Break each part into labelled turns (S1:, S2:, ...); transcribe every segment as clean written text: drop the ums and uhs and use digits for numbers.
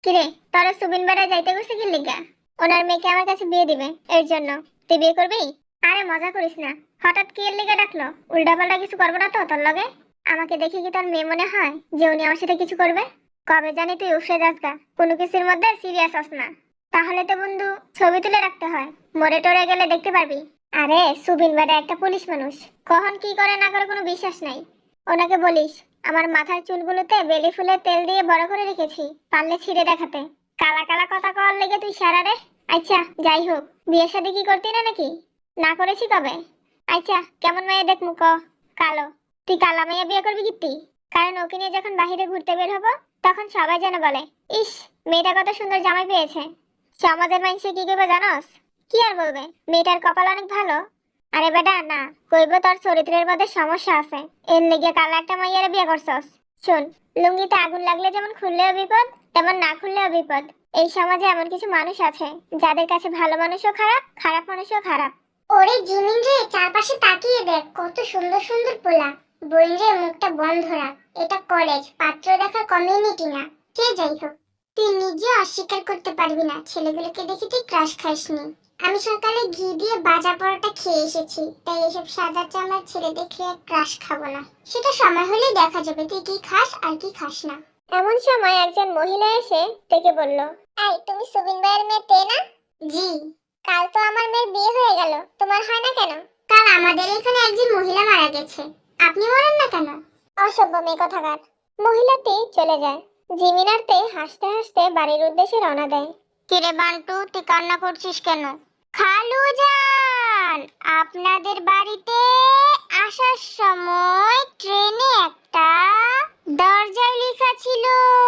S1: কিরে, তোরা সুবিন বেড়া যাইতে গেছে কি লিগা? ওনার মেয়েকে আমার কাছে বিয়ে দিবে, এর জন্য। তুই বিয়ে করবি? আরে মজা করিস না। হঠাৎ কি এর লিগা ডাকলো? উল্টাপাল্টা কিছু করবো না তো তোর লগে? আমাকে দেখে কি তোর মেয়ে মনে হয় যে উনি আমার সাথে কিছু করবে? কবে জানি তুই উফরে যাস গা, কোনো কিছুর মধ্যে সিরিয়াস হস না। তাহলে তো বন্ধু ছবি তুলে রাখতে হয়, মরে টরে গেলে দেখতে পারবি। আরে সুবিন বেড়া একটা পুলিশ মানুষ, কখন কি করে না করে কোনো বিশ্বাস নাই। ওনাকে বলিস আমার মাথার চুলগুলোতে বেলি ফুলের তেল দিয়ে বড় করে রেখেছি, পারলে ছিঁড়ে দেখাতে। কালা কালা কথা কওয়ার লেগে তুই সারা রে। আচ্ছা যাই হোক, বিয়ে শাদী কি করতি না নাকি? না করেছি কবে? আচ্ছা কেমন মেয়ে দেখ মুখ? কালো। তুই কালা মেয়ে বিয়ে করবি কি? কারণ ওকে নিয়ে যখন বাহিরে ঘুরতে বের হবো তখন সবাই যেন বলে, ইস মেয়েটা কত সুন্দর জামাই পেয়েছে। সমাজের মানুষে কি করবে জানোস? কি আর বলবে, মেয়েটার কপাল অনেক ভালো। আরে বেটা না, কইব তোর চরিত্রের মধ্যে সমস্যা আছে, এর লেগে কালা একটা মাইয়ারে বিয়ে করছস। শোন, লুঙ্গিতে আগুন লাগলে যেমন খুললেও বিপদ, তেমন না খুললেও বিপদ। এই সমাজে এমন কিছু মানুষ আছে যাদের কাছে ভালো মানুষও খারাপ, খারাপ মানুষও খারাপ।
S2: ওরে জিমিন রে, চারপাশে তাকিয়ে দেখ কত সুন্দর সুন্দর পোলা। বোন রে, মুখটা বন্ধ রাখ। এটা কলেজ, পাত্র দেখার কমিউনিটি না। কে যাই হোক, তুই নিজে অস্বীকার করতে পারবি না ছেলেগুলোকে দেখে তুই ক্রাশ খাসনি। আমি সকালে ঘি দিয়ে ভাজা পরোটা খেয়ে এসেছি, তাই এসব সাদা চামড়ার ছেলে দেখলে ক্রাশ খাবো না। সেটা সময় হলেই দেখা যাবে তুই কি খাস আর কি খাস না।
S1: এমন সময় একজন মহিলা এসে ডেকে বলল,
S2: এই তুমি সুবিন ভাইয়ের মেয়ে তে না? জি। কাল তো আমার মেয়ের বিয়ে হয়ে গেল, তোমার হয় না কেন? কাল আমাদের এখানে একজন মহিলা মারা গেছে, আপনি মরেন না কেন?
S1: অসভ্য মেয়ে কথাকার। মহিলাটি চলে যায়। জিমিনারতে হাসতে হাসতে বাড়ির উদ্দেশ্যে রওনা দেয়।
S2: কিরে বান্টু, তুই কান্না করছিস কেন? খালু জান, আপনাদের বাড়িতে আসার সময় ট্রেনে একটা দরজায় লেখা ছিল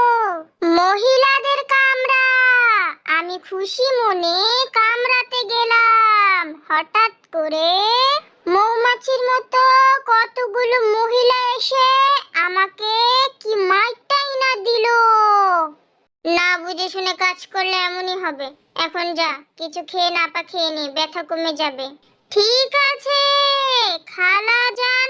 S2: মহিলাদের কামরা। আমি খুশি মনে কামরাতে গেলাম, হঠাৎ করে মৌমাছির মতো কতগুলো মহিলা এসে আমাকে কি মাইটাই না দিল। না বুঝে শুনে কাজ করলে এমনই হবে। এখন যা, কিছু খেয়ে না পা খেয়ে নে, ব্যথা কমে যাবে। ঠিক আছে। খালা যান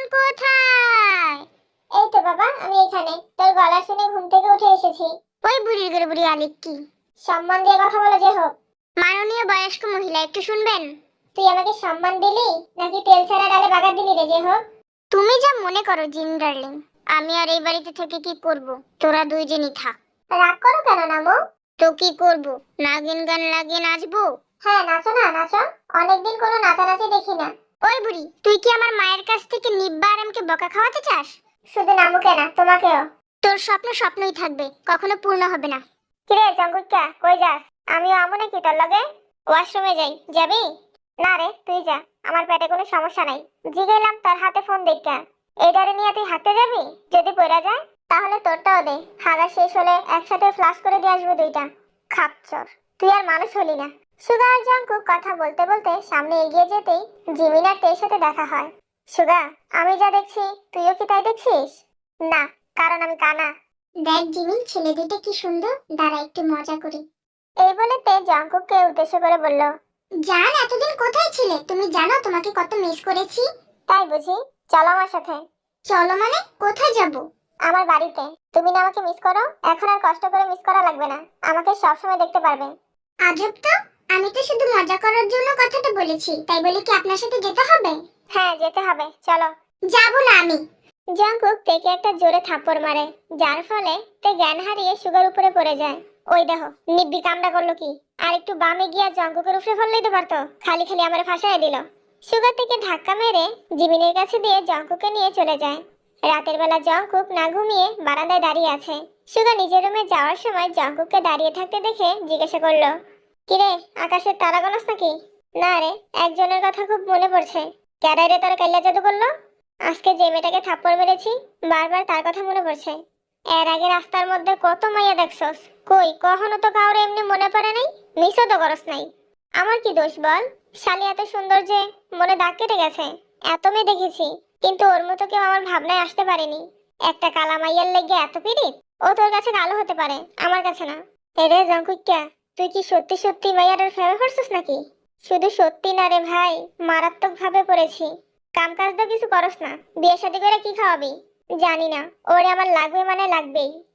S2: কোথায়?
S1: এই তো বাবা, আমি এখানে। তোর গলা শুনে ঘুম থেকে উঠে এসেছি।
S2: ওই বুড়ির ঘরে বুড়ি আলিক কি?
S1: সম্মান দিয়ে কথা বলে যে হোক।
S2: মাননীয় বয়স্ক মহিলা, একটু শুনবেন?
S1: তুই আমাকে সম্মান দিলি নাকি তেল ছাড়া ডালে বাগার দিলি রে যে হোক?
S2: তুমি যা মনে করো জিন ডার্লিং, আমি আর এই বাড়িতে থেকে কি করব? তোরা দুইজনই থাক।
S1: রাগ করো কেন নামো?
S2: তো কি করব? নাগিন গান লাগিয়ে নাচবো?
S1: হ্যাঁ নাচো না, নাচো। অনেকদিন কোনো নাচানাচি দেখি না।
S2: ওই বুড়ি, তুই কি আমার মায়ের কাছ থেকে নিব্বা আর আমাকে বকা খাওয়াতে চাস?
S1: শুধু নামুকে না, তোমাকেও।
S2: তোর স্বপ্ন স্বপ্নই থাকবে, কখনো পূর্ণ হবে না।
S1: কিরে জঙ্কুকা, কই যাস? আমিও আমু নাকি তোর লগে? ওয়াশরুমে যাই, যাবি? না রে তুই যা, আমার পেটে কোনো সমস্যা নাই। জিগাইলাম তোর হাতে ফোন দেখা। এইটারে নিয়ে তুই হাঁটতে যাবি? যদি পড়া যায় তাহলে তোরটাও দে, হাগা শেষ হলে একসাথে ফ্লাশ করে দিয়ে আসবো দুইটা। খাপচর, তুই আর মানুষ হলি না। সুগা আর জঙ্কুক কথা বলতে বলতে সামনে এগিয়ে যেতেই জিমিন আর তের সাথে দেখা হয়। সুগা, আমি যা দেখছি তুইও কি তাই দেখছিস? না, কারণ আমি কানা।
S2: দেখ জিমিন, ছেলে দুটো কি সুন্দর, দাঁড়া একটু মজা করি।
S1: এই বলে তে জঙ্কুককে উদ্দেশ্য করে বলল,
S2: জান, এতদিন কোথায় ছিলে? তুমি জানো তোমাকে কত মিস করেছি।
S1: তাই বুঝি? চলো আমার সাথে।
S2: চলো মানে? কোথায় যাব?
S1: আমার বাড়িতে। তুমি না আমাকে মিস করো, এখন আর কষ্ট করে মিস করা লাগবে না, আমাকে সবসময় দেখতে পারবে।
S2: আজব তো, আমি তো শুধু মজা করার জন্য কথাটা বলেছি, তাই বলে কি আপনার সাথে যেতে হবে?
S1: হ্যাঁ যেতে হবে, চলো।
S2: যাব না আমি।
S1: জঙ্কুক তেকে একটা জোরে থাপ্পড় মারে, যার ফলে তে জ্ঞান হারিয়ে সুগার উপরে পড়ে যায়। ওই দেখো নিব্বি কামড়া করলো কি! আর একটু বামে গিয়া জঙ্কুকের উপরে ফেললেই তো পারতো, খালি খালি আমার ফাঁসায় দিল। সুগার থেকে ধাক্কা মেরে জিমিনের কাছে দিয়ে জঙ্কুককে নিয়ে চলে যায়। রাতের বেলা জঙ্কুক না ঘুমিয়ে বারান্দায় দাঁড়িয়ে আছে। সুগা নিজের রুমে যাওয়ার সময় জঙ্কুককে দাঁড়িয়ে থাকতে দেখে জিজ্ঞাসা করলো, কিরে আকাশের তারা গণস নাকি? না রে, একজনের কথা খুব মনে পড়ছে। ক্যারাইরে তার কাল্লা জাদু করলো। আজকে যে মেয়েটাকে থাপ্পড় মেরেছি বারবার তার কথা মনে পড়ছে। এর আগে রাস্তার মধ্যে কত মাইয়া দেখছস, কই কখনো তো কাউরে এমনি মনে পড়ে নাই, মিসও তো করস নাই। আমার কি দোষ বল? শালি এত সুন্দর যে মনে দাগ কেটে গেছে। এত মেয়ে দেখেছি, কিন্তু ওর মতো কেউ আমার ভাবনায় আসতে পারেনি। একটা কালা মাইয়ার লেগে এত পিরিত? ও তোর কাছে কালো হতে পারে, আমার কাছে না। এরে জঙ্কুইক্কা, তুই কি সত্যি সত্যি মাইয়াটার ফেভার করছিস নাকি? শুধু সত্যি না রে ভাই, মারাত্মক ভাবে পড়েছি। কাম কাজ তো কিছু করস না, বিয়ে শাদী করে কি খাওয়াবি? জানি না, ওরে আমার লাগবে মানে লাগবেই।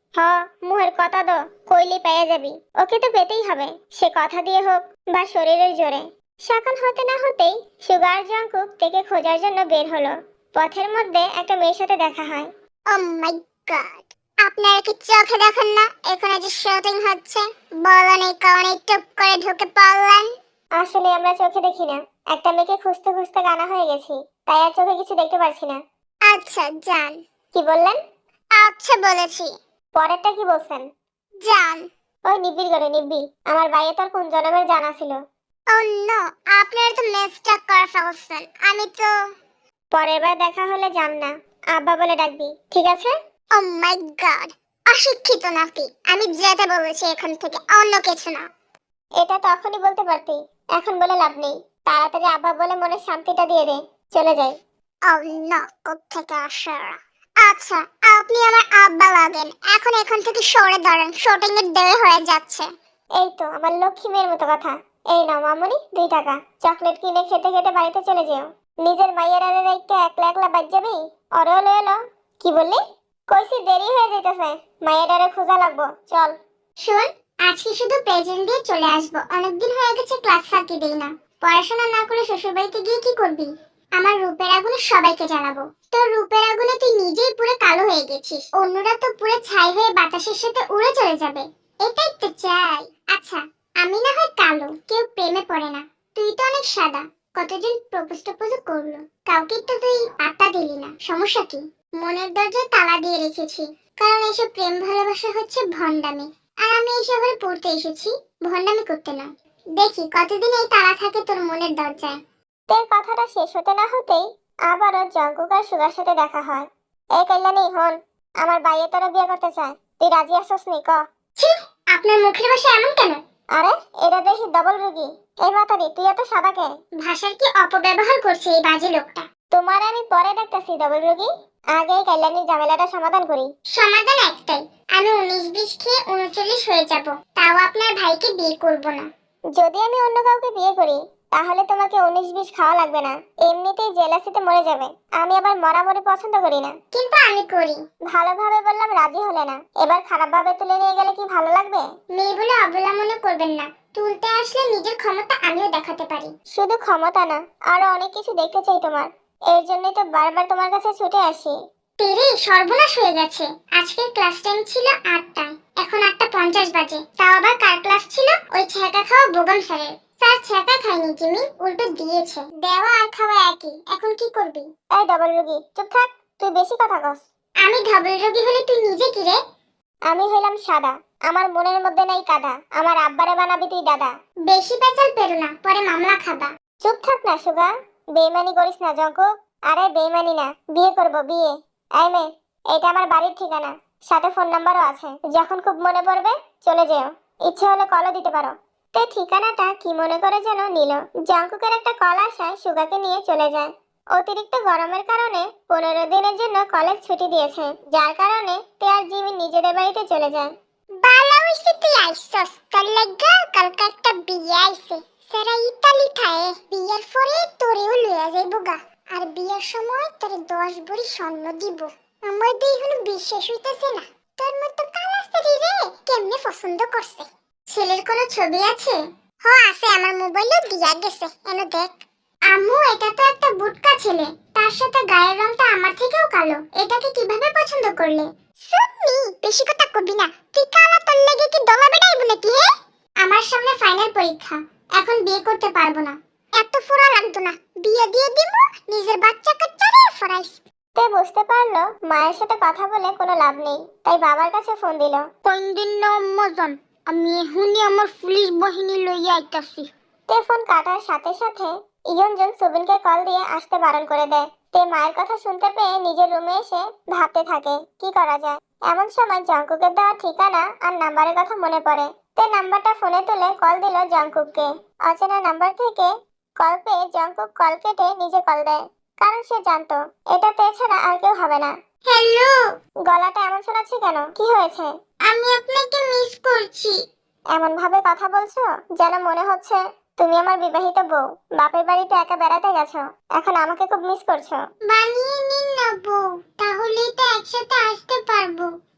S1: হ, মুহের কথা দো, কইলি পেয়ে যাবি। ওকে তো পেতেই হবে, সে কথা দিয়ে হোক বা শরীরের জোরে। সকাল হতে না হতেই সুগার জঙ্কুক থেকে খোঁজার জন্য বের হলো। পথের মধ্যে একটা মেয়ের সাথে দেখা হয়।
S2: ও মাই গড, আপনারা কি চোখে দেখেন না এখানে যে শুটিং হচ্ছে? বলেন এই কারণে টুপ করে ঢুকে পড়লেন?
S1: আসলে আমরা চোখে দেখি না, একটা মেয়েকে খুঁজতে খুঁজতে কানা হয়ে গেছি, তাই আর চোখে কিছু দেখতে পারছি না।
S2: আচ্ছা যান।
S1: কি বললেন?
S2: আচ্ছা বলেছি,
S1: পরেরটা কি বলছেন?
S2: যান।
S1: ওই নিব্বির করে নিব্বি, আমার বাইরে তোর কোন জন্মের জানা ছিল।
S2: ও নো, আপনারা তো মিস্টেক করে ফেলছেন। আমি তো
S1: পরের বার দেখা হলে যান না, আব্বা বলে ডাকবি, ঠিক আছে?
S2: ও মাই গড, অশিক্ষিত নাকি? আমি যেতে বলেছি এখান থেকে, অন্য কিছু না।
S1: এটা তখনই বলতে পারতি, এখন বলে লাভ নেই। তাড়াতাড়ি আব্বা বলে মনে শান্তিটা দিয়ে দে, চলে যাই।
S2: ও নো, কোত্থেকে আসে ওরা? আচ্ছা, আপনি আমার আব্বা লাগেন। এখন এখান থেকে সরে দাঁড়ান, শুটিং এর দেরি হয়ে যাচ্ছে।
S1: এই তো আমার লক্ষ্মী মেয়ের মতো কথা। এই নাও মামুনি 2 টাকা, চকলেট কিনে খেতে খেতে বাড়িতে চলে যেও। নিজের মাইয়ের আরে রাইতে একলা একলা বাজ যাবি। অরেও লয়ে এলো। কি বললি? কইছি দেরি হয়ে যাইতেছে, মাইয়ের আরে খোঁজা লাগবো, চল।
S2: শুন, আজকে শুধু প্রেজেন্ট দিয়ে চলে আসবো। অনেকদিন হয়ে গেছে ক্লাস ফাঁকি দিই না। পড়াশোনা না করে শ্বশুর বাড়িতে গিয়ে কি করবি? আমার রূপের আগুনে সবাইকে জানাবো। তোর রূপের আগুনে তুই নিজেই পুরো কালো হয়ে গেছিস, অন্যরা তো পুরো ছাই হয়ে বাতাসের সাথে উড়ে চলে যাবে। এটাই তো চাই। আচ্ছা, আমি না হয় কালো, কেউ প্রেমে পড়ে না। তুই তো অনেক সাদা, কতজন প্রপোজ টপোজ করলো, কাউকে তো তুই পাত্তা দিলি না। সমস্যা কি? মনের দরজায় তালা দিয়ে রেখেছি, কারণ এসব প্রেম ভালোবাসা হচ্ছে ভণ্ডামি। আর আমি এই শহরে পড়তে এসেছি, ভণ্ডামি করতে না। দেখি কতদিন এই তালা থাকে তোর মনের দরজায়।
S1: তোর কথাটা শেষ হতে না হতেই আবারও জঙ্কুক আর সুগার সাথে দেখা হয়। এই কল্যাণী হন, আমার বাইয়ে তোরা বিয়ে করতে চায়, তুই রাজি আসছ নি ক?
S2: ছি, আপনার মুখের ভাষা এমন কেন?
S1: আরে এটা দেখি ডবল রুগী। এই মাতারি তুই এত সাদা কে?
S2: ভাষার কি অপব্যবহার করছে এই বাজে লোকটা?
S1: তোমার আমি পরে দেখতেছি ডবল রুগী, আগে এই কল্যাণীর ঝামেলাটা সমাধান করি।
S2: সমাধান একটাই, আমি 19-20 খেয়ে 39 হয়ে যাব, তাও আপনার ভাইকে বিয়ে করব না।
S1: যদি আমি অন্য কাউকে বিয়ে করি তাহলে তোমাকে 19-20 খাওয়া লাগবে না, এমনিতেই জেলাসিতে মরে যাবে। আমি আবার মরামরি পছন্দ করি না।
S2: কিন্তু আমি করি।
S1: ভালোভাবে বললাম, রাজি হলে না, এবার খারাপ ভাবে তুলে নিয়ে গেলে কি ভালো লাগবে?
S2: মেয়ে বলে অবলা মনে করবেন না, তুলতে আসলে নিজের ক্ষমতা আমিও দেখাতে পারি।
S1: শুধু ক্ষমতা না, আরো অনেক কিছু দেখতে চাই তোমার, এর জন্যই তো বারবার তোমার কাছে ছুটে আসি।
S2: তেরে সর্বনাশ হয়ে গেছে। আজকের ক্লাস টাইম ছিল 8টায়, এখন 8:50 বাজে। তাও আবার কার ক্লাস ছিল? ওই ছ্যাঁকা খাওয়া বোগাম স্যারের। স্যার ছ্যাঁকা খায়নি জিমি, উল্টো দিয়েছে। দেওয়া আর খাওয়া একই, এখন কি করবি?
S1: এই ডবল রুগী চুপ থাক, তুই বেশি কথা কস।
S2: আমি ধবল রোগী হলে তুই নিজে কি রে?
S1: আমি হইলাম সাদা, আমার মনের মধ্যে নাই কাদা, আমার আব্বারে বানাবি তুই দাদা।
S2: বেশি পেঁচাল পেরো না, পরে মামলা খাবা।
S1: চুপ থাক না সুগা, বেইমানি করিস না জঙ্কুক। আরে বেইমানি না, বিয়ে করব বিয়ে। এই মে, এটা আমার বাড়ির ঠিকানা, সাথে ফোন নাম্বারও আছে, যখন খুব মনে পড়বে চলে যেও, ইচ্ছে হলে কলও দিতে পারো। তে ঠিকানাটা কি মনে করে যেন নিল। জঙ্কুকের একটা কল আসায় সুগাকে নিয়ে চলে যায়। অতিরিক্ত গরমের কারণে 15 দিনের জন্য কলেজ ছুটি দিয়েছে, যার কারণে তে আর জিমি নিজেদের বাড়িতে চলে যায়।
S2: ভালো হইছে তুই আইসস, তোর লাগা কালকে একটা বিয়ে আইছে। সেরা ইতালি থায়ে, বিয়ের পরে তোরেও লইয়া যাইবো গা। আর বিয়ের সময় তোরে 10 ভরি স্বর্ণ দিব। আমার তো এখনো বিশ্বাস হইতেছে না, তোর মতো কালা স্ত্রী রে কেমনে পছন্দ করছে। ছেলের কোনো ছবি আছে? হ আছে, আমার মোবাইলে দিয়া গেছে, এনো দেখ। আম্মু, এটা তো একটা বুটকা ছেলে, তার সাথে গায়ের রংটা আমার থেকেও কালো। এটাকে কিভাবে পছন্দ করলে? সুন্নি, বেশি কথা কবি না। তুই কালা, তোর লেগে কি দলা বেটাইব নাকি হে? আমার সামনে ফাইনাল পরীক্ষা, এখন বিয়ে করতে পারবো না। এত ফোড়া লাগতো না, বিয়ে দিয়ে দিব, নিজের বাচ্চা কাচ্চারে ফরাইস।
S1: তে বুঝতে পারলো মায়ের সাথে কথা বলে কোনো লাভ নেই, তাই বাবার কাছে ফোন দিল।
S2: কোন দিন না মজন, আমি এখনই আমার পুলিশ বাহিনী লইয়া আইতাছি।
S1: তে ফোন কাটার সাথে সাথে ইয়নজন সুবিনকে কল দিয়ে আসতে বারণ করে দেয়। তে মায়ের কথা শুনতে পেয়ে নিজের রুমে এসে ভাবতে থাকে কি করা যায়। এমন সময় জঙ্কুকের দেওয়া ঠিকানা আর নাম্বারের কথা মনে পড়ে। তে নাম্বারটা ফোনে তুলে কল দিল জঙ্কুককে। অচেনা নাম্বার থেকে কল পেয়ে জঙ্কুক কল কেটে নিজে কল দেয়, কারণ সে জানতো এটা তে ছাড়া আর কেউ হবে না।
S2: হ্যালো,
S1: গলাটা এমন শোনাচ্ছে কেন, কি হয়েছে?
S2: আমি আপনাকে মিস করছি।
S1: এমন ভাবে কথা বলছো যেন মনে হচ্ছে তুমি আমার বিবাহিত বউ, বাপের বাড়িতে একা বেড়াতে গেছো, এখন আমাকে খুব মিস করছো।
S2: বানিয়ে নিন না বউ, তাহলেই তো একসাথে আসতে পারবো।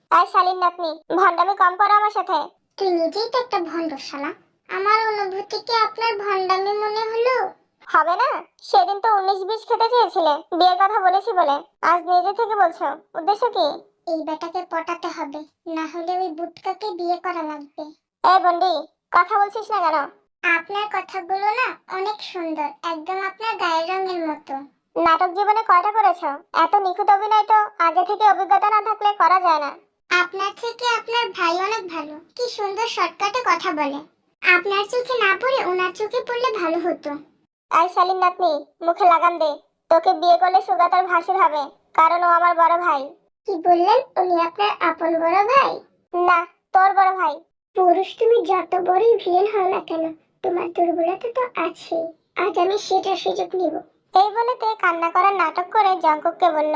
S1: আর শালীন নাতনি, ভন্ডামি কম করো আমার সাথে।
S2: তুই নিজেই তো একটা ভণ্ড শালা। আমার অনুভূতিকে আপনার ভণ্ডামি মনে হলো?
S1: হবে না? সেদিন তো 19-20 খেতে চেয়েছিলে বিয়ের কথা বলেছি বলে, আজ নিজে থেকে বলছো, উদ্দেশ্য কি?
S2: এই বেটাকে পটাতে হবে, না হলে ওই বুটকাকে বিয়ে করা লাগবে।
S1: এই বন্ডি, কথা বলছিস না কেন?
S2: আপনার কথাগুলো না অনেক সুন্দর, একদম আপনার গায়ের রঙের মতো।
S1: নাটক জীবনে কয়টা করেছো? এত নিখুঁত অভিনয় তো আগে থেকে অভিজ্ঞতা না থাকলে করা যায় না।
S2: আপনার থেকে আপনার ভাই অনেক ভালো, কি সুন্দর শর্টকাটে কথা বলে। আপনার চোখে না পড়ে ওনার চোখে পড়লে ভালো হতো।
S1: আই শালীন নাতনি, মুখে লাগাম দে। তোকে বিয়ে করলে সুগাতার ভাসুর হবে, কারণ ও আমার বড় ভাই।
S2: কি বললেন? উনি আপনার আপন বড় ভাই?
S1: না, তোর বড় ভাই।
S2: পুরুষ তুমি যত বড়ই ভিলেন হও না কেন, তোমার দুর্বলতা তো আছেই। আজ আমি সেটার সুযোগ নিব।
S1: এই বলে তে কান্না করার নাটক করে জঙ্কুককে বলল,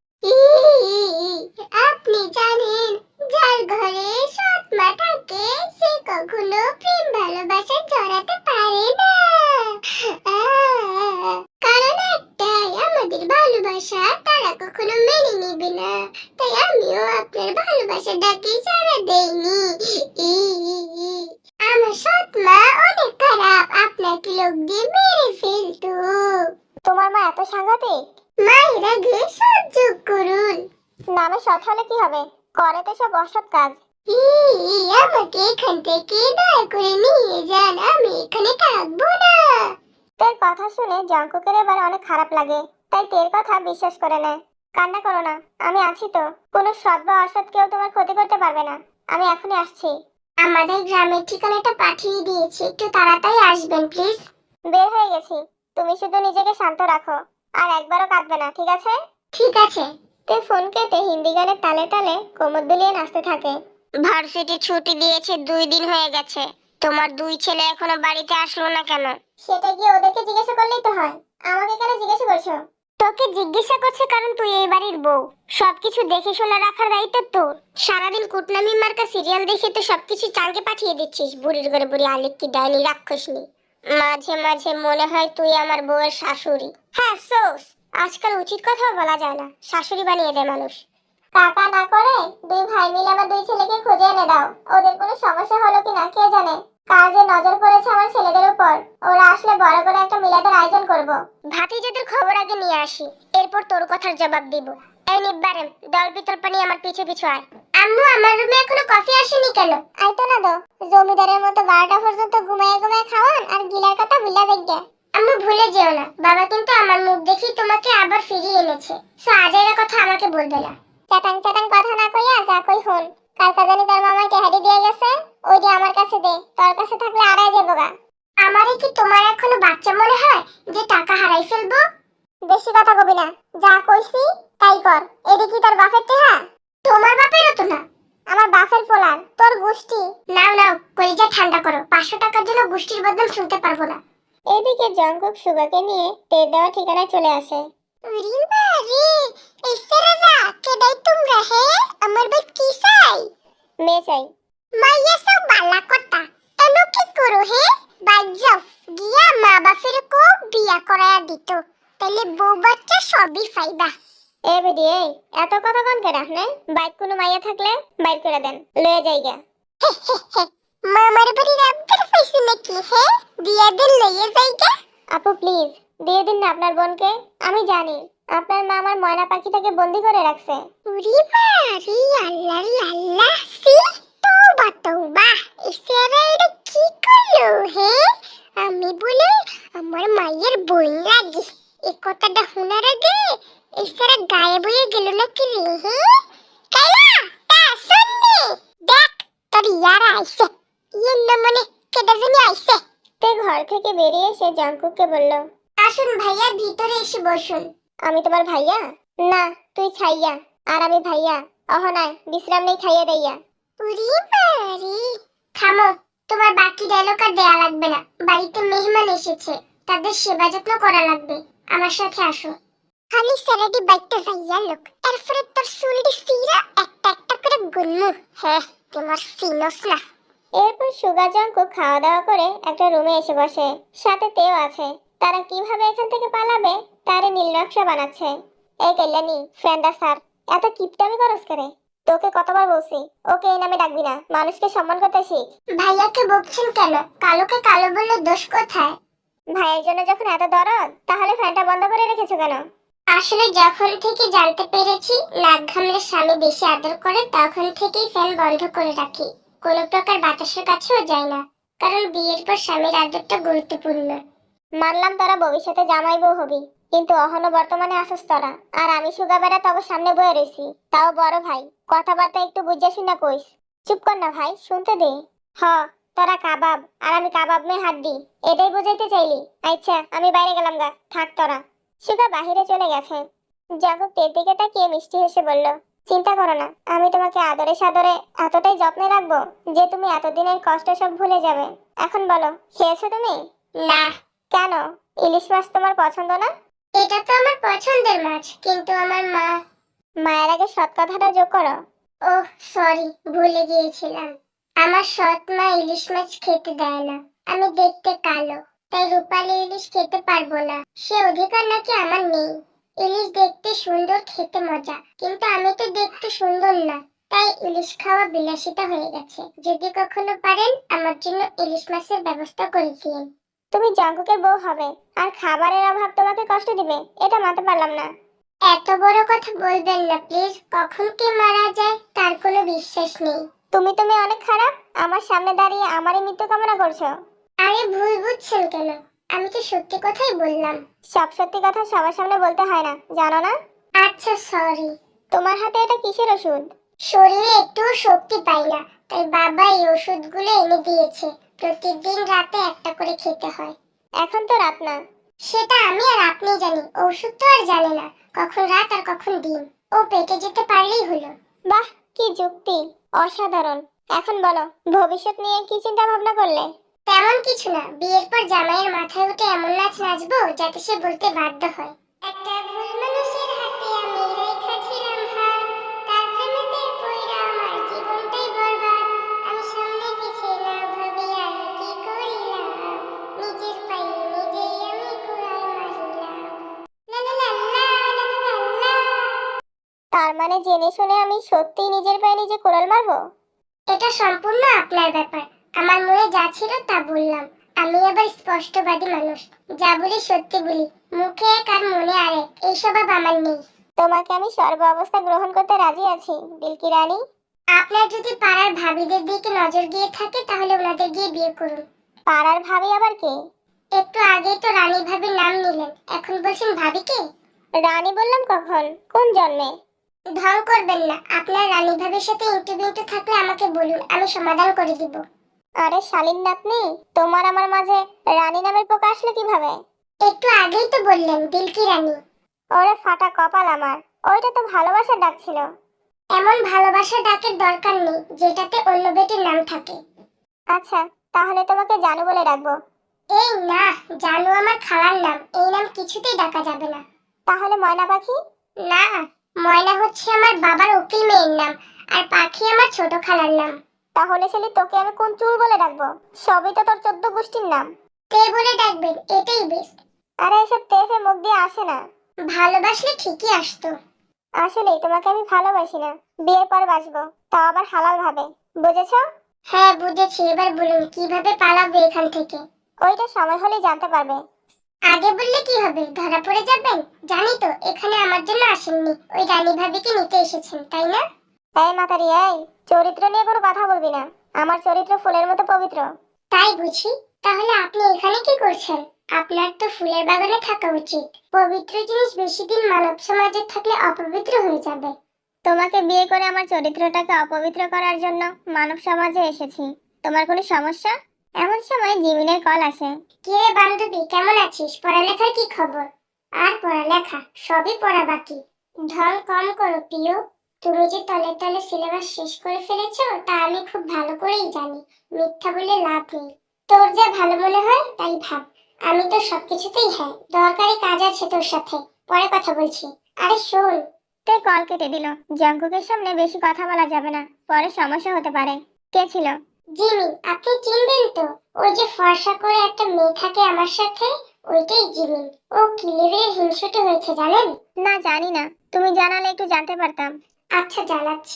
S2: আপনি জানেন, যার ঘরে সৎ মা থাকে সে কখনো প্রেম ভালোবাসা জড়াতে পারে না। কারণ একটাই, আমাদের ভালোবাসা তারা কখনো মেনে নেবে না। তাই আমিও আপনার ভালোবাসা ডাকে সাড়া দেইনি। আমার সৎ মা অনেক খারাপ, আপনাকে লোক দিয়ে মেরে ফেলতো।
S1: তোমার মা এত সাংঘাতিক?
S2: মায়ের আগে সহ্য করুন।
S1: নামে সৎ হলে কি হবে? করে তো সব অসৎ কাজ।
S2: আমাকে এখান থেকে দয়া করে নিয়ে যান, আমি এখানে থাকবো না।
S1: তোর কথা শুনে জঙ্কুকের এবার অনেক খারাপ লাগে, তাই তোর কথা বিশ্বাস করে নেয়। কান্না করো না, আমি আছি তো। কোনো সৎ বা অসৎ কেউ তোমার ক্ষতি করতে পারবে না। আমি এখনই আসছি।
S2: আমাদের গ্রামের ঠিকানাটা পাঠিয়ে দিয়েছি, একটু তাড়াতাড়ি আসবেন প্লিজ।
S1: বের হয়ে গেছি, তুমি শুধু নিজেকে শান্ত রাখো, আর একবারও কাঁদবে না, ঠিক আছে?
S2: ঠিক আছে।
S1: তুই ফোন কেটে হিন্দি গানের তালে তালে কোমর দুলিয়ে নাচতে থাকে।
S2: ভার্সিটি ছুটি দিয়েছে, 2 দিন হয়ে গেছে। তোমার 2 ছেলে এখনো বাড়িতে আসলো না কেন?
S1: সেটা গিয়ে ওদেরকে জিজ্ঞাসা করলেই তো হয়, আমাকে কেন জিজ্ঞাসা করছো?
S2: তোকে জিজ্ঞাসা করছে কারণ তুই এই বাড়ির বউ, সবকিছু দেখে শুনে রাখার দায়িত্ব তোর। সারাদিন কুটনামি মার্কা সিরিয়াল দেখে তো সবকিছু চাঙ্গে পাঠিয়ে দিচ্ছিস, বুড়ির ঘরে বুড়ি আলিকি ডাইনি রাক্ষসনি। মাঝে মাঝে মনে হয় তুই আমার বউয়ের শাশুড়ি।
S1: হ্যাঁ সোস, আজকাল উচিত কথাও বলা যায় না, শাশুড়ি বানিয়ে দেয় মানুষ। কাকা না করে 2 ভাই মিলে আমার 2 ছেলেকে খুঁজে এনে দাও। ওদের কোনো সমস্যা হলো কিনা কে জানে। কার যে নজর পড়েছে আমার ছেলেদের উপর। ওরা আসলে বড় করে একটা মিলাদের আয়োজন করব।
S2: ভাতিজাদের খবর আগে নিয়ে আসি, এরপর তোর কথার জবাব দিব। এই নিব্বারেম, দল বিতর্প নিয়ে আমার পিছু পিছু আয়। আম্মু, আমার রুমে এখনো কফি আসেনি কেন?
S1: আইতো না দো, জমিদারের মতো 12টা পর্যন্ত ঘুমায় ঘুমায় খাওয়ান আর গিলার কথা ভুলা দেখবে।
S2: আম্মু ভুলে যেও না, বাবা কিন্তু আমার মুখ দেখি তোমাকে আবার ফিরিয়ে এনেছে। সো আজের কথা আমাকে বলবে না।
S1: চাটাং চাটাং কথা না কইয়া যা কই হন। কালকা জানি তার মামাকে হাড়ি দিয়ে গেছে, ওইটা আমার কাছে দে, তোর কাছে থাকলে আড়াই যাবো গা।
S2: আমারে কি তোমার এখনো বাচ্চা মনে হয় যে টাকা হারাই ফেলবো?
S1: বেশি কথা কবি না, যা কইছি তাই কর। এডি কি তোর বাপের টেহা?
S2: তোমার বাপেরও তো না।
S1: আমার বাপের পোলার, তোর গোষ্ঠী।
S2: নাও নাও, কলিজা ঠান্ডা করো, 500 টাকার জন্য গোষ্ঠীর বদনাম শুনতে পারবো না।
S1: এদিকে জঙ্কুক সুগাকে নিয়ে তেল দেওয়া ঠিকানায় চলে আসে।
S2: রিমা রে, এসরারা কেডাই তোমরা হে? আমার ভাই কি চাই?
S1: মেয়ে চাই।
S2: মাইয়া সব বালা কথা, এনো কি করো হে? বাজ্জাও গিয়া মা বাপের কো বিয়া করায়া দিত, তাইলে বউ বাচ্চা সবই ফাইবা।
S1: এ বেডি এই, এত কথা কন কেডা নে? বাইক কোনো মাইয়া থাকলে বাইর করে দেন, লয়ে যাইগা।
S2: মামার বাড়ির আবদার পাইছে নাকি হে? বিয়া দিন লইয়া যাইগা।
S1: আপু প্লিজ দিয়ে দিন না আপনার বোনকে। আমি জানি আপনার মা আমার ময়না পাখিটাকে বন্দি করে রাখছে।
S2: রিমা রে, আল্লাহ রে আল্লাহ, সি তওবা তওবা, এসরা এটা কি করলো হে? আমি বলে আমার মায়ের বোন লাগে, এই কথাটা শোনার আগে এসরা গায়েব হয়ে গেল নাকি রে হে? কাইলা তা শুননি, দেখ তোর ইয়ারা আইছে, ইয়ের না মনে কেডা জানি আইছে।
S1: তে ঘর থেকে বেরিয়ে এসে জঙ্কুককে বলল,
S2: আসুন ভাইয়া, ভিতরে এসে বসুন।
S1: আমি তোমার ভাইয়া? না, তুই ছাইয়া আর আমি ভাইয়া। অহনায় বিশ্রাম নেই, খাইয়া দেইয়া।
S2: রিমা রে, থামো, তোমার বাকি ডায়লগ আর দেয়া লাগবে না। বাড়িতে মেহমান এসেছে, তাদের সেবা যত্ন করা লাগবে। আমার সাথে আসো। খালি স্যারাডি বাইকটা যাইয়া লোক, এরপরে তোর চুলটি সিরা একটা একটা করে গুনমু। হ্যাঁ, তোমার সিনস না।
S1: এরপর সুগা জঙ্কুক খাওয়া দাওয়া করে একটা রুমে এসে বসে, সাথে তেও আছে। তারা কিভাবে এখান থেকে পালাবে তারে নীল নকশা বানাচ্ছে। এই কল্যাণী, ফ্রেন্ডা স্যার, এত কিপটামি করস করে? তোকে কতবার বলছি ওকে এই নামে ডাকবি না, মানুষকে সম্মান করতে শিখ।
S2: ভাইয়াকে বকছেন কেন? কালোকে কালো বললে দোষ কোথায়?
S1: ভাইয়ের জন্য যখন এত দরদ, তাহলে ফ্যানটা বন্ধ করে রেখেছো কেন?
S2: আসলে যখন থেকে জানতে পেরেছি নাক ঘামলে স্বামী বেশি আদর করে, তখন থেকেই ফ্যান বন্ধ করে রাখি। কোনো প্রকার বাতাসের কাছেও যাই না, কারণ বিয়ের পর স্বামীর আদরটা গুরুত্বপূর্ণ।
S1: মানলাম তোরা ভবিষ্যতে জামাই বউ হবি, কিন্তু অহনো বর্তমানে আসস তোরা, আর আমি সুগা বেড়া তবে সামনে বয়ে রইছি। তাও বড় ভাই, কথাবার্তা একটু বুঝে শুনে কইস। চুপ কর না ভাই, শুনতে দে। হ, তোরা কাবাব আর আমি কাবাব মে হাড্ডি, এটাই বুঝাইতে চাইলি? আচ্ছা, আমি বাইরে গেলাম গা, থাক তোরা। সুগা বাহিরে চলে গেছে। জাগো তের দিকে তাকিয়ে মিষ্টি হেসে বলল, চিন্তা করো না, আমি তোমাকে আদরে সাদরে এতটাই যত্নে রাখবো যে তুমি এতদিনের কষ্ট সব ভুলে যাবে। এখন বলো, খেয়েছো তুমি?
S2: না।
S1: কেন? ইলিশ মাছ তোমার পছন্দ না?
S2: এটা তো আমার পছন্দের মাছ, কিন্তু আমার মা।
S1: মায়ের আগে সৎ কথাটা যোগ করো।
S2: ওহ সরি, ভুলে গিয়েছিলাম। আমার সৎ মা ইলিশ মাছ খেতে দেয় না। আমি দেখতে কালো, তাই রূপালী ইলিশ খেতে পারবো না। সে অধিকার নাকি আমার নেই। ইলিশ দেখতে সুন্দর, খেতে মজা, কিন্তু আমি তো দেখতে সুন্দর না, তাই ইলিশ খাওয়া বিলাসিতা হয়ে গেছে। যদি কখনো পারেন আমার জন্য ইলিশ মাছের ব্যবস্থা করে দিন।
S1: তুমি জাঙ্কুকের বউ হবে, আর খাবারের অভাব তোমাকে কষ্ট দিবে, এটা মানতে পারলাম না।
S2: এত বড় কথা বলবেন না প্লিজ। কখন কে মারা যায় তার কোনো বিশ্বাস নেই।
S1: তুমি তুমি অনেক খারাপ, আমার সামনে দাঁড়িয়ে আমারই মৃত্যু কামনা করছো।
S2: আরে ভুল বুঝছেন কেন? আমি তো সত্যি কথাই বললাম।
S1: সব সত্যি কথা সবার সামনে বলতে হয় না, জানো না?
S2: আচ্ছা সরি।
S1: তোমার হাতে এটা কিসের ওষুধ?
S2: শরীরে একটুও শক্তি পাই না, তাই বাবা এই ওষুধগুলো এনে দিয়েছে। প্রতিদিন রাতে একটা করে খেতে হয়।
S1: এখন তো রাত না।
S2: সেটা আমি আর আপনি জানি, ওষুধ তো আর জানে না কখন রাত আর কখন দিন। ও পেটে যেতে পারলেই হলো।
S1: বাহ, কি যুক্তি, অসাধারণ। এখন বলো, ভবিষ্যৎ নিয়ে কি চিন্তা ভাবনা করলে?
S2: তেমন কিছু না, বিয়ের পর জামাইয়ের মাথায় উঠে এমন নাচ নাচবো যাতে সে বলতে বাধ্য হয়, একটা ভুল মানুষের হাতে আমি রেখা ছিলাম হাত, তার প্রেমেতে পইড়া আমার জীবনটাই বরবাদ। আমি সামনে পিছে না ভাবি আর কি করিলাম, নিজের পায়ে নিজেই আমি কুড়াল মারিলাম। লা লা লা লা লা লা লা।
S1: তার মানে জেনে শুনে আমি সত্যিই নিজের পায়ে নিজে কোড়াল মারবো?
S2: এটা সম্পূর্ণ আপনার ব্যাপার। আমার মনে যা ছিল তা বললাম। আমি আবার স্পষ্টবাদী মানুষ, যা বলি সত্যি বলি। মুখে এক আর মনে আরেক, এই স্বভাব আমার নেই।
S1: তোমাকে আমি সর্ব অবস্থা গ্রহণ করতে রাজি আছি, দিলকি রানী।
S2: আপনার যদি পাড়ার ভাবিদের দিকে নজর গিয়ে থাকে তাহলে ওনাদের গিয়ে বিয়ে করুন।
S1: পাড়ার ভাবি আবার কে?
S2: একটু আগেই তো রানী ভাবির নাম নিলেন, এখন বলছেন ভাবিকে?
S1: রানী বললাম কখন, কোন জন্মে?
S2: ঢং করবেন না। আপনার রানী ভাবির সাথে ইন্টারভিউ থাকলে আমাকে বলুন, আমি সমাধান করে দিব।
S1: আরে শালীন নাতনি, তোমার আমার মাঝে রানী নামের পোকা আসলে কিভাবে?
S2: একটু আগেই তো বললেন দিলকি রানী।
S1: ওরে ফাটা কপাল আমার, ওইটা তো ভালোবাসার ডাক ছিল।
S2: এমন ভালোবাসার ডাকের দরকার নেই যেটাতে অন্য বেটির নাম থাকে।
S1: আচ্ছা, তাহলে তোমাকে জানু বলে ডাকবো।
S2: এই না, জানু আমার খালার নাম, এই নাম কিছুতেই ডাকা যাবে না।
S1: তাহলে ময়না পাখি?
S2: না, ময়না হচ্ছে আমার বাবার উকিল মেয়ের নাম, আর পাখি আমার ছোট খালার নাম।
S1: তাহলে ছেলে তোকে আমি কোন চুল বলে ডাকবো? সবই তো তোর 14 গোষ্ঠীর নাম।
S2: তে বলে ডাকবেন, এটাই বেস্ট।
S1: আরে এসব তেফে মুখ দিয়ে আসে না।
S2: ভালোবাসলে ঠিকই আসতো।
S1: আসলেই তোমাকে আমি ভালোবাসি না, বিয়ের পর বাসবো, তাও আবার হালাল ভাবে, বুঝেছো?
S2: হ্যাঁ বুঝেছি, এবার বলুন কিভাবে পালাবো এখান থেকে।
S1: ওইটা সময় হলেই জানতে পারবে।
S2: আগে বললে কি হবে, ধরা পড়ে যাবেন। জানি তো এখানে আমার জন্য আসেননি, ওই রানী ভাবিকে নিতে এসেছেন, তাই না?
S1: এই মাতারি এই, চরিত্র নিয়ে কোনো কথা বলবি না। আমার চরিত্র ফুলের মতো পবিত্র।
S2: তাই বুঝি। তাহলে আপনি এখানে কি করছেন? আপনার তো ফুলের বাগানে থাকা উচিত। পবিত্র জিনিস বেশি দিন মানব সমাজে থাকলে অপবিত্র হয়ে যাবে।
S1: তোমাকে বিয়ে করে আমার চরিত্রটাকে অপবিত্র করার জন্য মানব সমাজে এসেছি। তোমার কোনো সমস্যা? এমন সময় জিমিনের কল আসে।
S2: কি রে বান্ধবী, কেমন আছিস? পড়ালেখার কি খবর? আর পড়ালেখা, সবই পড়া বাকি। ঢং কম করো প্রিয়। তুমি যে তলে তলে সিলেবাস শেষ করে ফেলেছো তা আমি খুব ভালো করেই জানি। মিথ্যা বলে লাভ নেই। তোর যা ভালো মনে হয় তাই ভাব। আমি তো সবকিছুতেই হ্যাঁ। দরকারি কাজ আছে তোর সাথে, পরে কথা বলছি। আরে শোন।
S1: তে কল কেটে দিল। জঙ্কুকের সামনে বেশি কথা বলা যাবে না, পরে সমস্যা হতে পারে। কে ছিল?
S2: জিমি, আপনি চিনবেন তো? ওই যে ফর্সা করে একটা মেয়ে থাকে আমার সাথে, ওইটাই জিমি। ও কি লেভেলের হিংসুটে হয়েছে জানেন?
S1: না, জানি না, তুমি জানালে একটু জানতে পারতাম।
S2: আচ্ছা জানাচ্ছি।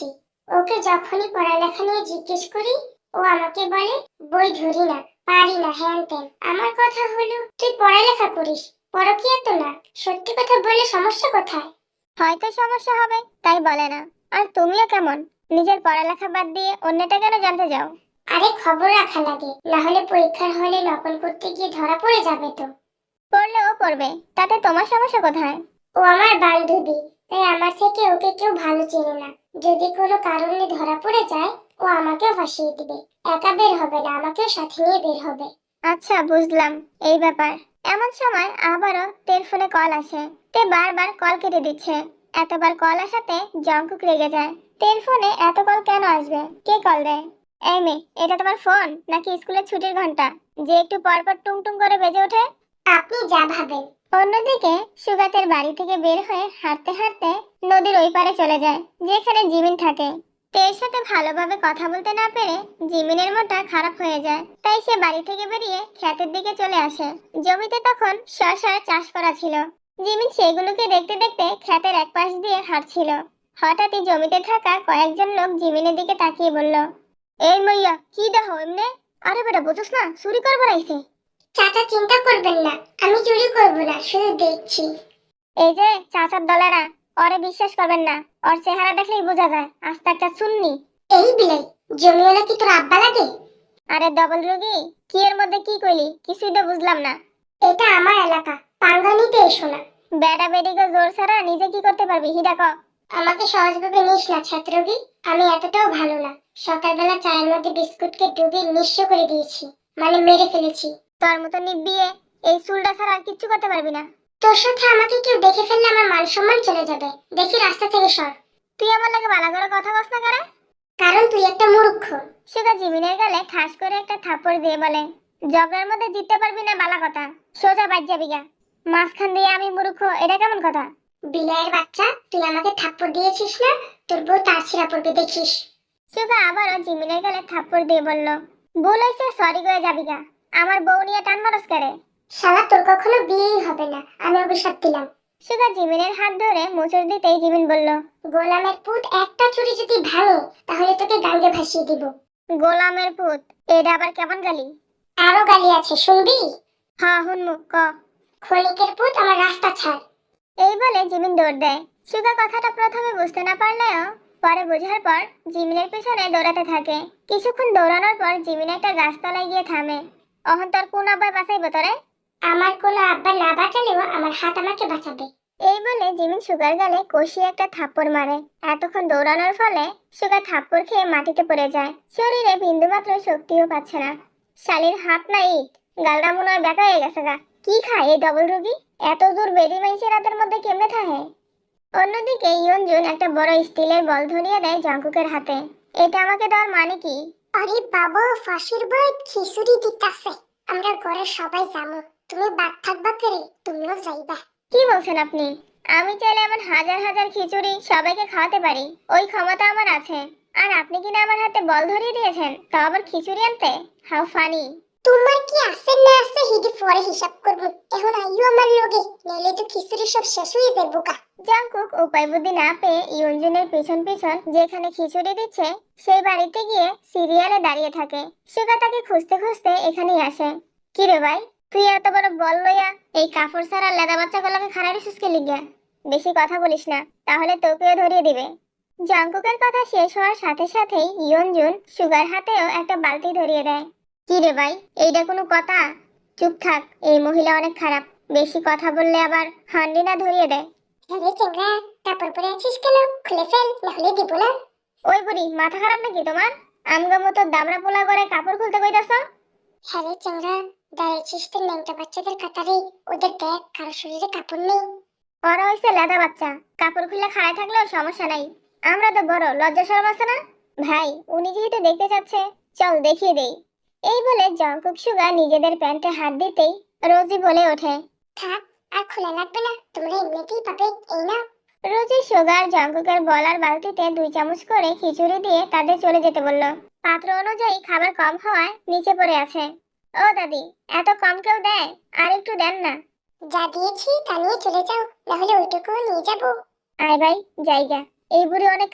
S2: ওকে যখনই পড়ালেখা নিয়ে জিজ্ঞেস করি ও আমাকে বলে বই ধরি না, পারি না, হ্যান ত্যান। আমার কথা হলো তুই পড়ালেখা করিস, পরকীয়া তো না। সত্যি কথা বললে সমস্যা কোথায়?
S1: হয়তো সমস্যা হবে তাই বলে না। আর তুমিও কেমন, নিজের পড়ালেখা বাদ দিয়ে অন্যটা কেন জানতে যাও?
S2: আরে খবর রাখা লাগে, না হলে পরীক্ষার হলে নকল করতে গিয়ে ধরা পড়ে যাবে তো।
S1: পড়লেও পড়বে, তাতে তোমার সমস্যা কোথায়?
S2: ও আমার বান্ধবী, তাই আমার থেকে ওকে কেউ ভালো চেনে না। যদি কোনো কারণে ধরা পড়ে যায় ও আমাকেও ফাঁসিয়ে দিবে। একা বের হবে না, আমাকেও সাথে নিয়ে বের হবে।
S1: আচ্ছা বুঝলাম এই ব্যাপার। এমন সময় আবারও তের ফোনে কল আসে। তে বারবার কল কেটে দিচ্ছে। এতবার কল আসাতে জঙ্কুক রেগে যায়। তের ফোনে এত কল কেন আসবে, কে কল দেয়? এই মেয়ে, এটা তোমার ফোন নাকি স্কুলের ছুটির ঘন্টা যে একটু পর পর টুং টুং করে বেজে ওঠে?
S2: আপনি যা ভাবেন।
S1: অন্যদিকে সুগাতের বাড়ি থেকে বের হয়ে হাঁটতে হাঁটতে নদীর ওই পারে চলে যায় যেখানে জিমিন থাকে। তের সাথে ভালোভাবে কথা বলতে না পেরে জিমিনের মনটা খারাপ হয়ে যায়, তাই সে বাড়ি থেকে বেরিয়ে ক্ষেতের দিকে চলে আসে। জমিতে তখন শসার চাষ করা ছিল। জিমিন সেগুলোকে দেখতে দেখতে ক্ষেতের এক পাশ দিয়ে হাঁটছিল। হঠাৎই জমিতে থাকা কয়েকজন লোক জিমিনের দিকে তাকিয়ে বলল, এই মাইয়া কি দেখো এমনে? আরে বেটা বুঝছ না, চুরি করবার আইছে।
S2: চাচা চিন্তা করবেন না, আমি চুরি করব না, শুধু দেখছি।
S1: এই যে চাচার দলেরা, ওরে বিশ্বাস করবেন না। ওর চেহারা দেখলেই বোঝা যায় আস্তে একটা শুননি।
S2: এই বিলাই, জমিওয়ালা কি তোর আব্বা লাগে?
S1: আরে ডবল রোগী, কি এর মধ্যে কি কইলি কিছুই তো বুঝলাম না।
S2: এটা আমার এলাকা, পাঙ্গা নিতে এসো না।
S1: বেটা বেটিকে জোর ছাড়া নিজে কি করতে পারবি হিডা ক।
S2: আমাকে সহজভাবে নিস না ছাত্রবি, আমি এতটাও ভালো না। সকালবেলা চায়ের মধ্যে বিস্কুটকে ডুবিয়ে নিঃস্ব করে দিয়েছি, মানে মেরে ফেলেছি।
S1: তোর মতো নিবিয়ে এই চুলটা ছাড়া আর কিচ্ছু করতে পারবি না।
S2: তোর সাথে আমাকে কেউ দেখে ফেললে আমার মান সম্মান চলে যাবে। দেখি রাস্তা থেকে সর।
S1: তুই আমার লাগে বালা করে কথা বস না করে।
S2: কারণ তুই একটা মূর্খ।
S1: সুগা জিমিনের গালে ঠাস করে একটা থাপ্পড় দিয়ে বলে, ঝগড়ার মধ্যে জিততে পারবি না বালা কথা, সোজা বাজ যাবি গা। মাঝখান দিয়ে আমি মূর্খ, এটা কেমন কথা?
S2: বিলাইয়ের বাচ্চা, তুই আমাকে থাপ্পড় দিয়েছিস না? তোর বউ তার ছিঁড়া পড়বে দেখিস।
S1: সুগা আবারও জিমিনের গালে থাপ্পড় দিয়ে বলল, ভুল হয়েছে, সরি করে যাবি গা। আমার বউ নিয়ে টান মারস করে।
S2: শালা তোর কখনো বিয়েই হবে না, আমি অভিশাপ দিলাম।
S1: সুগা জিমিনের হাত ধরে মোচড় দিতেই জিমিন বলল,
S2: গোলামের পুত, একটা চুরি যদি ভাঙে তাহলে তোকে গাঙ্গে ভাসিয়ে দিব।
S1: গোলামের পুত, এটা আবার কেমন গালি?
S2: আরো গালি আছে, শুনবি?
S1: হ্যাঁ হুনমু, ক।
S2: ক্ষণিকের পুত, আমার রাস্তা ছাড়।
S1: এই বলে জিমিন দৌড় দেয়। সুগা কথাটা প্রথমে বুঝতে না পারলেও পরে বোঝার পর জিমিনের পিছনে দৌড়াতে থাকে। কিছুক্ষণ দৌড়ানোর পর জিমিন একটা গাছতলায় গিয়ে থামে। অহন তোর কোন আব্বাই বাঁচাইবো তোরে?
S2: আমার কোনো আব্বা না বাঁচালেও আমার হাত আমাকে বাঁচাবে।
S1: এই বলে জিমিন সুগার গালে কষিয়ে একটা থাপ্পড় মারে। এতক্ষণ দৌড়ানোর ফলে সুগা থাপ্পড় খেয়ে মাটিতে পড়ে যায়। শরীরে বিন্দুমাত্র শক্তিও পাচ্ছে না। শালির হাত না ইট, গালটা মনে হয় ব্যাকা হয়ে গেছে গা। কি খায় এই ডবল রোগী? এত দূর বেরি মাইসে রাতের মধ্যে কেমনে থাকে? অন্যদিকে ইয়নজুন একটা বড় স্টিলের বল ধরিয়ে দেয় জঙ্কুকের হাতে। এটা আমাকে দেওয়ার মানে কি?
S2: আরে বাবা, ফাঁসির বই খিচুড়ি দিতাছে। আমরা ঘরে সবাই যাবো, তুমি বাদ থাকবা করে, তুমিও যাইবা।
S1: কি বলছেন আপনি? আমি চাইলে এমন হাজার হাজার খিচুড়ি সবাইকে খাওয়াতে পারি, ওই ক্ষমতা আমার আছে। আর আপনি কিনা আমার হাতে বল ধরিয়ে দিয়েছেন, তাও আবার খিচুড়ি আনতে? How funny!
S2: তোমার কি আছে না আছে হিডি পরে হিসাব করবো। এখন আইও আমার লগে, নইলে তো খিচুড়ি সব শেষ হয়ে যাবে বোকা।
S1: জাংকুক উপায় বুদ্ধি না পেয়ে ইয়নজুনের পিছন পিছন যেখানে খিচুড়ি দিচ্ছে সেই বাড়িতে গিয়ে সিরিয়ালে দাঁড়িয়ে থাকে। সুগা তাকে খুঁজতে খুঁজতে এখানেই আসে। কি রে ভাই, তুই এত বড় বল লইয়া এই কাপড় ছাড়া লেদা বাচ্চাগুলোকে খানারি সুস্কে লিগা? বেশি কথা বলিস না, তাহলে তোকেও ধরিয়ে দিবে। জাংকুকের কথা শেষ হওয়ার সাথে সাথেই ইয়নজুন সুগার হাতেও একটা বালতি ধরিয়ে দেয়। কি রে ভাই, এইটা কোনো কথা? চুপ থাক, এই মহিলা অনেক খারাপ। বেশি কথা বললে আবার হান্ডি না ধরিয়ে দেয়।
S2: আরে চেংড়া, কাপড় পরে আছিস কেন? খুলে ফেল, নাহলে দিব না।
S1: ওই বুড়ি, মাথা খারাপ নাকি তোমার? আমগা মতো দামড়া পোলা করে কাপড় খুলতে কইতাছ?
S2: হ্যাঁ রে চেংড়া, দাঁড়িয়েছিস তো ন্যাংটা বাচ্চাদের কাতারে। ওদের দেখ, কারো শরীরে কাপড় নেই।
S1: ওরা হইছে লেদা বাচ্চা, কাপড় খুলে খাড়ায় থাকলেও সমস্যা নাই। আমরা তো বড়, লজ্জা শরম আছে না? ভাই, উনি যেহেতু দেখতে চাচ্ছে, চল দেখিয়ে দেই। এই বলে জঙ্কুক সুগা নিজেদের প্যান্টে হাত দিতেই রোজি বলে ওঠে,
S2: থাক, আর খোলা লাগবে না, তোমরা এমনিতেই পাবে, এই না।
S1: রোজি সুগার জঙ্কুকের বলার বালতিতে 2 চামচ করে খিচুড়ি দিয়ে তাদের চলে যেতে বলল। পাত্র অনুযায়ী খাবার কম হওয়ায় নিচে পড়ে আছে। ও দাদি, এত কম কেউ দেয়? আর একটু দেন না।
S2: যা দিয়েছি তা নিয়ে চলে যাও, নাহলে ওইটুকু নিয়ে যাবো।
S1: আয় ভাই, জায়গা। এই বুড়ি অনেক খারাপ,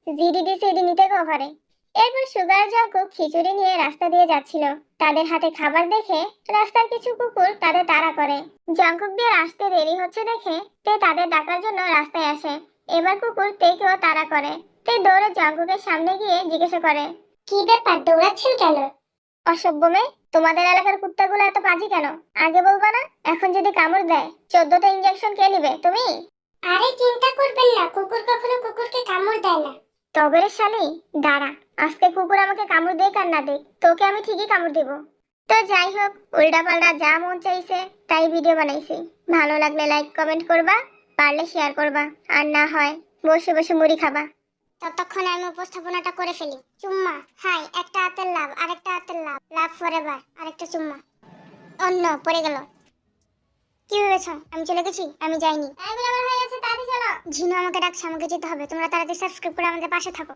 S1: জিডিডি সিডি নিতে কভারে। এরপর সুগার জঙ্কুক খিচুড়ি নিয়ে রাস্তা দিয়ে যাচ্ছিল। তাদের হাতে খাবার দেখে রাস্তার কিছু কুকুর তাদের তাড়া করে। জঙ্কুকদের আসতে দেরি হচ্ছে দেখে তে তাদের ডাকার জন্য রাস্তায় আসে। এবার কুকুর তেকেও তাড়া করে। তে দৌড়ে জঙ্কুকের সামনে গিয়ে জিজ্ঞাসা করে,
S2: কি ব্যাপার, দৌড়াচ্ছেন কেন?
S1: অসভ্য মেয়ে, তোমাদের এলাকার কুত্তাগুলো এত পাজি কেন? আগে বলবা না? এখন যদি কামড় দেয় 14টা ইঞ্জেকশন কে নিবে, তুমি?
S2: আরে চিন্তা করবেন না, কুকুর কখনো কুকুরকে কামড় দেয় না।
S1: তবে রে শালি, দাঁড়া, আজকে কুকুর আমাকে কামড় দেয় আর না দেয়, তোকে আমি ঠিকই কামড় দেব। তো যাই হোক, উল্টাপাল্টা যা মন চাইছে তাই ভিডিও বানাইছি। ভালো লাগলে লাইক কমেন্ট করবা, পারলে শেয়ার করবা, আর না হয় বসে বসে মুড়ি খাবা।
S2: ততক্ষণে আমি উপস্থাপনাটা করে ফেলি। চুম্মা, হাই, একটা হাতের লাভ, আরেকটা হাতের লাভ, লাভ ফরএভার, আরেকটা চুম্মা। অন্য পড়ে গেল। কি ভেবেছো আমি চলে গেছি? আমি যাইনি। আমার হয়ে গেছে, তাড়াতাড়ি চলো। ঝিনু আমাকে ডাকছে, আমাকে যেতে হবে। তোমরা তাড়াতাড়ি সাবস্ক্রাইব করে আমাদের পাশে থাকো।